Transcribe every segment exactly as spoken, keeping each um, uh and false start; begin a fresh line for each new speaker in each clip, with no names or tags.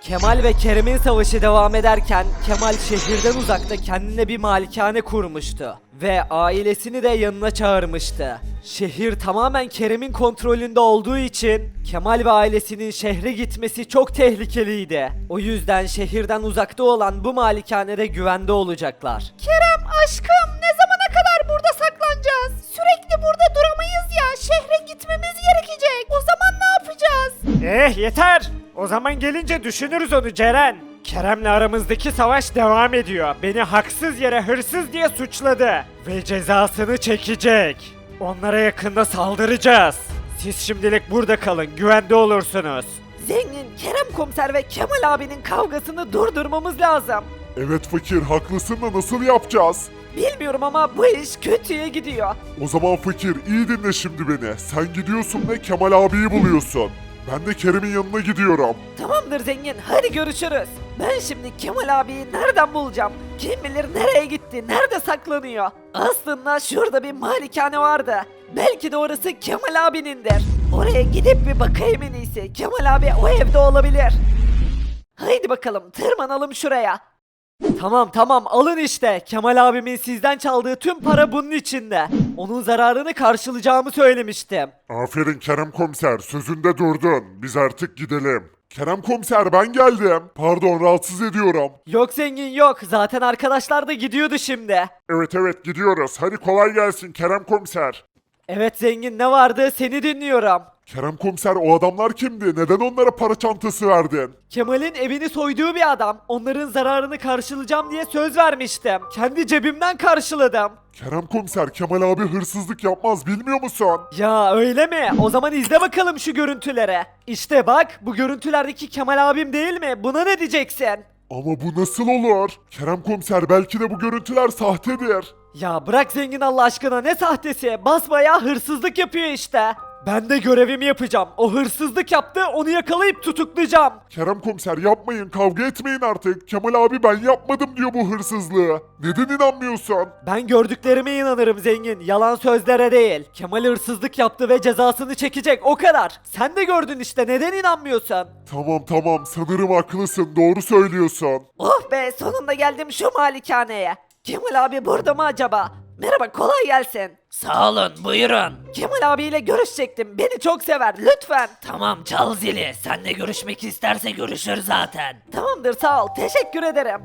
Kemal ve Kerem'in savaşı devam ederken Kemal şehirden uzakta kendine bir malikane kurmuştu ve ailesini de yanına çağırmıştı. Şehir tamamen Kerem'in kontrolünde olduğu için Kemal ve ailesinin şehre gitmesi çok tehlikeliydi. O yüzden şehirden uzakta olan bu malikanede güvende olacaklar.
Kerem aşkım ne zamana kadar burada saklanacağız? Sürekli burada duramayız ya. Şehre gitmemiz gerekecek. O zaman ne yapacağız?
Eh yeter. O zaman gelince düşünürüz onu Ceren. Kerem'le aramızdaki savaş devam ediyor. Beni haksız yere hırsız diye suçladı. Ve cezasını çekecek. Onlara yakında saldıracağız. Siz şimdilik burada kalın, güvende olursunuz.
Zengin, Kerem komiser ve Kemal abinin kavgasını durdurmamız lazım.
Evet fakir haklısın da nasıl yapacağız?
Bilmiyorum ama bu iş kötüye gidiyor.
O zaman fakir iyi dinle şimdi beni. Sen gidiyorsun ve Kemal abiyi buluyorsun. Ben de Kerem'in yanına gidiyorum.
Tamamdır zengin, hadi görüşürüz. Ben şimdi Kemal abiyi nereden bulacağım? Kim bilir nereye gitti, nerede saklanıyor? Aslında şurada bir malikane vardı. Belki de orası Kemal abinindir. Oraya gidip bir bakayım en iyisi. Kemal abi o evde olabilir. Haydi bakalım, tırmanalım şuraya. Tamam tamam alın işte. Kemal abimin sizden çaldığı tüm para bunun içinde. Onun zararını karşılayacağımı söylemiştim.
Aferin Kerem komiser sözünde durdun. Biz artık gidelim. Kerem komiser ben geldim. Pardon rahatsız ediyorum.
Yok zengin yok. Zaten arkadaşlar da gidiyordu şimdi.
Evet evet gidiyoruz. Hadi kolay gelsin Kerem komiser.
Evet zengin ne vardı? Seni dinliyorum.
Kerem komiser o adamlar kimdi? Neden onlara para çantası verdin?
Kemal'in evini soyduğu bir adam. Onların zararını karşılayacağım diye söz vermiştim. Kendi cebimden karşıladım.
Kerem komiser Kemal abi hırsızlık yapmaz bilmiyor musun?
Ya öyle mi? O zaman izle bakalım şu görüntülere. İşte bak bu görüntülerdeki Kemal abim değil mi? Buna ne diyeceksin?
Ama bu nasıl olur? Kerem komiser belki de bu görüntüler sahtedir.
Ya bırak zengin Allah aşkına ne sahtesi? Basbayağı hırsızlık yapıyor işte. Ben de görevimi yapacağım. O hırsızlık yaptı, onu yakalayıp tutuklayacağım.
Kerem komiser yapmayın kavga etmeyin artık. Kemal abi ben yapmadım diyor bu hırsızlığı. Neden inanmıyorsun?
Ben gördüklerime inanırım zengin, yalan sözlere değil. Kemal hırsızlık yaptı ve cezasını çekecek, o kadar. Sen de gördün işte, neden inanmıyorsun?
Tamam tamam sanırım haklısın doğru söylüyorsun.
Oh be, sonunda geldim şu malikaneye. Kemal abi burada mı acaba? Merhaba, kolay gelsin.
Sağ olun, buyurun.
Kemal abiyle görüşecektim. Beni çok sever. Lütfen.
Tamam, çal zili. Seninle görüşmek isterse görüşür zaten.
Tamamdır, sağ ol. Teşekkür ederim.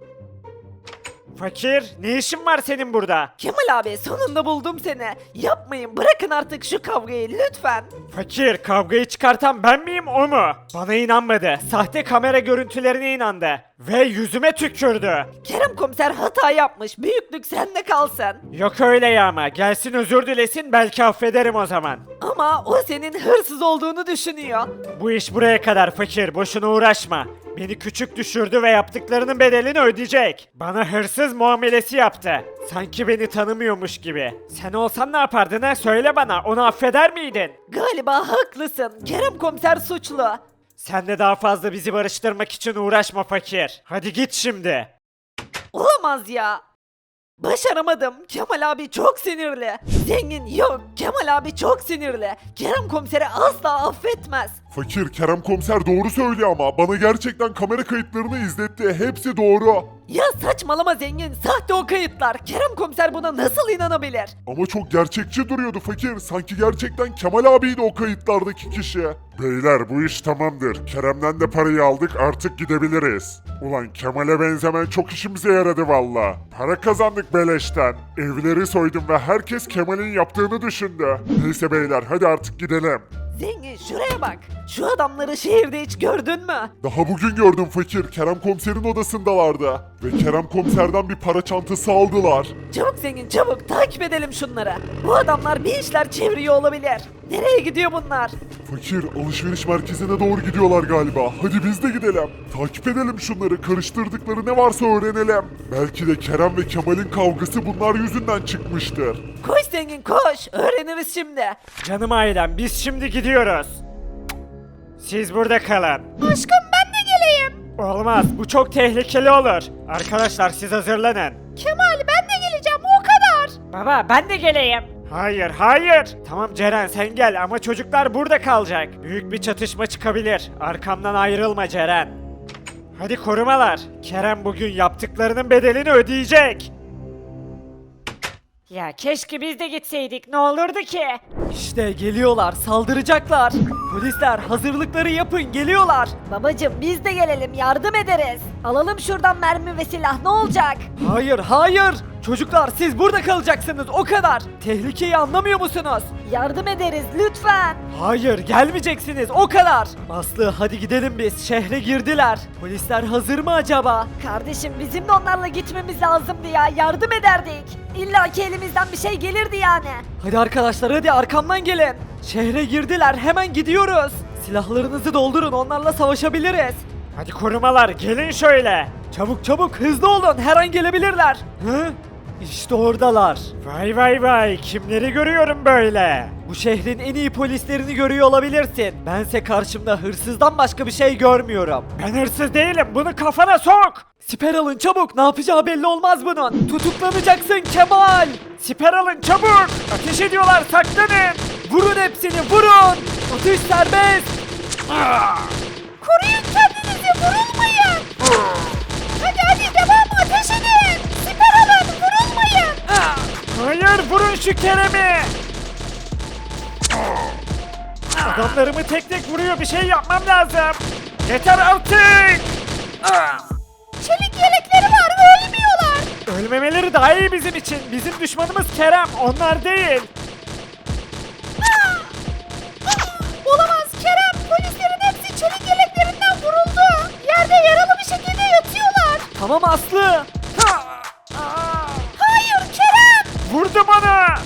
Fakir, ne işin var senin burada?
Kemal abi, sonunda buldum seni. Yapmayın, bırakın artık şu kavgayı lütfen.
Fakir, kavgayı çıkartan ben miyim o mu? Bana inanmadı. Sahte kamera görüntülerine inandı. Ve yüzüme tükürdü.
Kerem komiser hata yapmış. Büyüklük sende kalsın.
Yok öyle ya ama. Gelsin özür dilesin belki affederim o zaman.
Ama o senin hırsız olduğunu düşünüyor.
Bu iş buraya kadar fakir. Boşuna uğraşma. Beni küçük düşürdü ve yaptıklarının bedelini ödeyecek. Bana hırsız muamelesi yaptı. Sanki beni tanımıyormuş gibi. Sen olsan ne yapardın ha? Söyle bana. Onu affeder miydin?
Galiba haklısın. Kerem komiser suçlu.
Sen de daha fazla bizi barıştırmak için uğraşma fakir. Hadi git şimdi.
Olamaz ya. Başaramadım. Kemal abi çok sinirli. Zengin yok. Kemal abi çok sinirli. Kerem komiseri asla affetmez.
Fakir Kerem komiser doğru söylüyor ama bana gerçekten kamera kayıtlarını izletti. Hepsi doğru.
Ya saçmalama zengin. Sahte o kayıtlar. Kerem komiser buna nasıl inanabilir?
Ama çok gerçekçi duruyordu fakir. Sanki gerçekten Kemal abiydi o kayıtlardaki kişi. Beyler bu iş tamamdır. Kerem'den de parayı aldık artık gidebiliriz. Ulan Kemal'e benzemen çok işimize yaradı valla. Para kazandık beleşten. Evleri soydum ve herkes Kemal'in yaptığını düşündü. Neyse beyler hadi artık gidelim.
Zengin şuraya bak. Şu adamları şehirde hiç gördün mü?
Daha bugün gördüm fakir. Kerem komiserin odasındalardı. Ve Kerem komiserden bir para çantası aldılar.
Çabuk zengin çabuk takip edelim şunları. Bu adamlar bir işler çeviriyor olabilir. Nereye gidiyor bunlar?
Fakir alışveriş merkezine doğru gidiyorlar galiba. Hadi biz de gidelim. Takip edelim şunları. Karıştırdıkları ne varsa öğrenelim. Belki de Kerem ve Kemal'in kavgası bunlar yüzünden çıkmıştır.
Koş zengin koş. Öğreniriz şimdi.
Canım ailem biz şimdi gidiyoruz. Siz burada kalın.
Aşkım ben de geleyim.
Olmaz bu çok tehlikeli olur. Arkadaşlar siz hazırlanın.
Kemal ben de geleceğim o kadar.
Baba ben de geleyim. Hayır hayır. Tamam Ceren sen gel ama çocuklar burada kalacak. Büyük bir çatışma çıkabilir. Arkamdan ayrılma Ceren. Hadi korumalar. Kerem bugün yaptıklarının bedelini ödeyecek.
Ya keşke biz de gitseydik, ne olurdu ki?
İşte geliyorlar, saldıracaklar. Polisler hazırlıkları yapın, geliyorlar.
Babacım biz de gelelim, yardım ederiz. Alalım şuradan mermi ve silah, ne olacak?
Hayır, hayır. Çocuklar siz burada kalacaksınız, o kadar. Tehlikeyi anlamıyor musunuz?
Yardım ederiz lütfen.
Hayır, gelmeyeceksiniz, o kadar. Aslı hadi gidelim biz, şehre girdiler. Polisler hazır mı acaba?
Kardeşim bizim de onlarla gitmemiz lazımdı ya, yardım ederdik. İlla ki elimizden bir şey gelirdi yani.
Hadi arkadaşlar hadi arkamdan gelin. Şehre girdiler, hemen gidiyoruz. Silahlarınızı doldurun, onlarla savaşabiliriz.
Hadi korumalar gelin şöyle.
Çabuk çabuk hızlı olun, her an gelebilirler. Hı? İşte oradalar.
Vay vay vay kimleri görüyorum böyle.
Bu şehrin en iyi polislerini görüyor olabilirsin. Bense karşımda hırsızdan başka bir şey görmüyorum.
Ben hırsız değilim bunu kafana sok.
Siper alın çabuk, ne yapacağı belli olmaz bunun. Tutuklanacaksın Kemal.
Siper alın çabuk. Ateş ediyorlar saklanın.
Vurun hepsini, vurun. Atış serbest.
Koruyun kendinizi, vurulmayın. Hadi hadi devam, ateş edin. Siper alın, vurulmayın.
Hayır vurun şu Kerem'i. Adamlarımı tek tek vuruyor bir şey yapmam lazım. Yeter artık.
Çelik yelekleri var, ölmüyorlar.
Ölmemeleri daha iyi bizim için. Bizim düşmanımız Kerem onlar değil.
Olamaz Kerem, polislerin hepsi çelik yeleklerinden vuruldu. Yerde yaralı bir şekilde yatıyorlar.
Tamam Aslı.
Hayır Kerem.
Vurdu bana.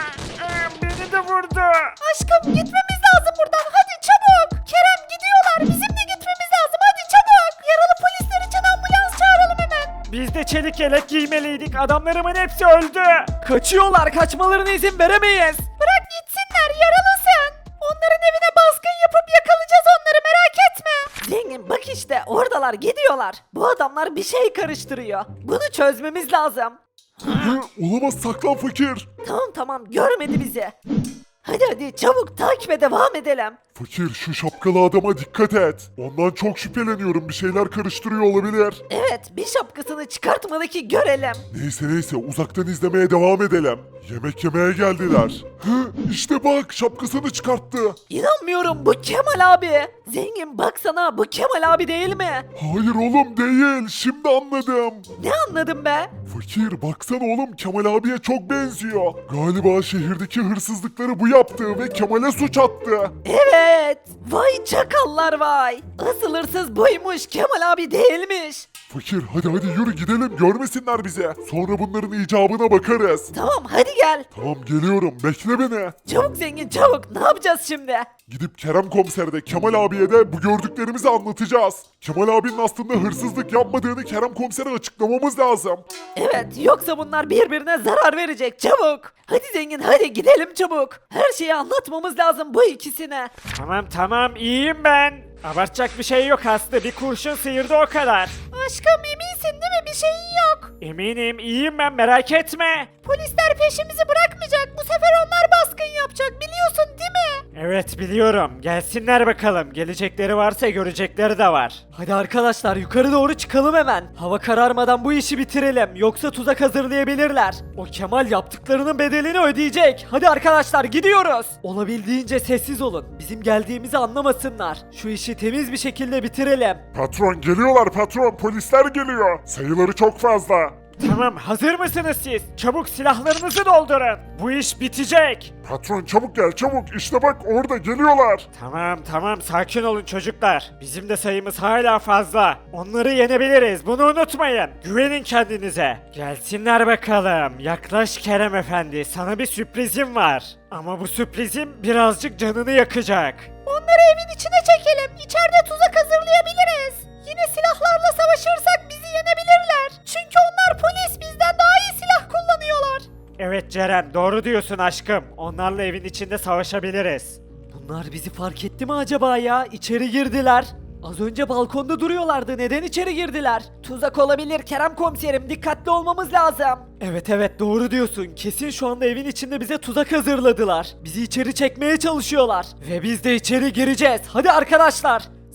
Beni de vurdu.
Aşkım gitmemiz lazım buradan, hadi çabuk. Kerem gidiyorlar, bizim de gitmemiz lazım, hadi çabuk. Yaralı polisler için ambulans çağıralım hemen.
Biz de çelik yelek giymeliydik. Adamlarımın hepsi öldü.
Kaçıyorlar, kaçmalarına izin veremeyiz.
Bırak gitsinler, yaralısın. Onların evine baskın yapıp yakalayacağız onları, merak etme.
Zengin bak işte oradalar, gidiyorlar. Bu adamlar bir şey karıştırıyor. Bunu çözmemiz lazım.
Hı, olamaz saklan fakir.
Tamam tamam, görmedi bizi. Hadi hadi çabuk takibe devam edelim.
Fakir şu şapkalı adama dikkat et. Ondan çok şüpheleniyorum bir şeyler karıştırıyor olabilir.
Evet, bir şapkasını çıkartmadı ki görelim.
Neyse neyse uzaktan izlemeye devam edelim. Yemek yemeye geldiler. Hı, işte bak şapkasını çıkarttı.
İnanmıyorum, bu Kemal abi. Zengin baksana, bu Kemal abi değil mi?
Hayır oğlum değil şimdi anladım.
Ne anladın be?
Fakir baksana oğlum Kemal abiye çok benziyor. Galiba şehirdeki hırsızlıkları bu yaptı ve Kemal'e suç attı.
Evet. Vay çakallar vay. Asıl hırsız buymuş, Kemal abi değilmiş.
Fakir hadi hadi yürü gidelim görmesinler bize. Sonra bunların icabına bakarız.
Tamam hadi gel.
Tamam geliyorum bekle beni.
Çabuk zengin çabuk, ne yapacağız şimdi?
Gidip Kerem komisere de Kemal abiye de bu gördüklerimizi anlatacağız. Kemal abinin aslında hırsızlık yapmadığını Kerem komisere açıklamamız lazım.
Evet, yoksa bunlar birbirine zarar verecek, çabuk. Hadi zengin hadi gidelim çabuk. Her şeyi anlatmamız lazım bu ikisine.
Tamam tamam iyiyim ben. Abartacak bir şey yok Aslı. Bir kurşun sıyırdı o kadar.
Aşkım eminsin değil mi, bir şeyin yok.
Eminim iyiyim ben merak etme.
Polisler peşimizi bırakmayacak, bu sefer onlar baskın yapacak, biliyorsun değil mi?
Evet biliyorum. Gelsinler bakalım. Gelecekleri varsa görecekleri de var.
Hadi arkadaşlar yukarı doğru çıkalım hemen. Hava kararmadan bu işi bitirelim. Yoksa tuzak hazırlayabilirler. O Kemal yaptıklarının bedelini ödeyecek. Hadi arkadaşlar gidiyoruz. Olabildiğince sessiz olun. Bizim geldiğimizi anlamasınlar. Şu işi temiz bir şekilde bitirelim.
Patron geliyorlar patron polisler geliyor. Sayıları çok fazla.
Tamam hazır mısınız siz? Çabuk silahlarınızı doldurun. Bu iş bitecek.
Patron çabuk gel çabuk işte bak orada geliyorlar.
Tamam tamam sakin olun çocuklar. Bizim de sayımız hala fazla. Onları yenebiliriz bunu unutmayın. Güvenin kendinize. Gelsinler bakalım. Yaklaş Kerem Efendi sana bir sürprizim var. Ama bu sürprizim birazcık canını yakacak.
Onları evin içine çekelim, içeride tuzak hazırlayabiliriz. Yine silahlarla savaşırsak bizi yenebilirler. Çünkü onlar polis, bizden daha iyi silah kullanıyorlar.
Evet Ceren doğru diyorsun aşkım. Onlarla evin içinde savaşabiliriz.
Bunlar bizi fark etti mi acaba ya? İçeri girdiler. Az önce balkonda duruyorlardı. Neden içeri girdiler? Tuzak olabilir Kerem komiserim. Dikkatli olmamız lazım. Evet evet doğru diyorsun. Kesin şu anda evin içinde bize tuzak hazırladılar. Bizi içeri çekmeye çalışıyorlar. Ve biz de içeri gireceğiz. Hadi arkadaşlar.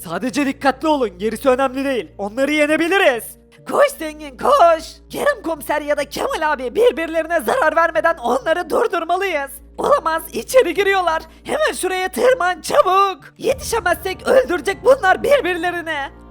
Sadece dikkatli olun, gerisi önemli değil. Onları yenebiliriz.
Koş zengin koş. Kerem komiser ya da Kemal abi birbirlerine zarar vermeden onları durdurmalıyız. Olamaz, içeri giriyorlar. Hemen şuraya tırman çabuk. Yetişemezsek öldürecek bunlar birbirlerini.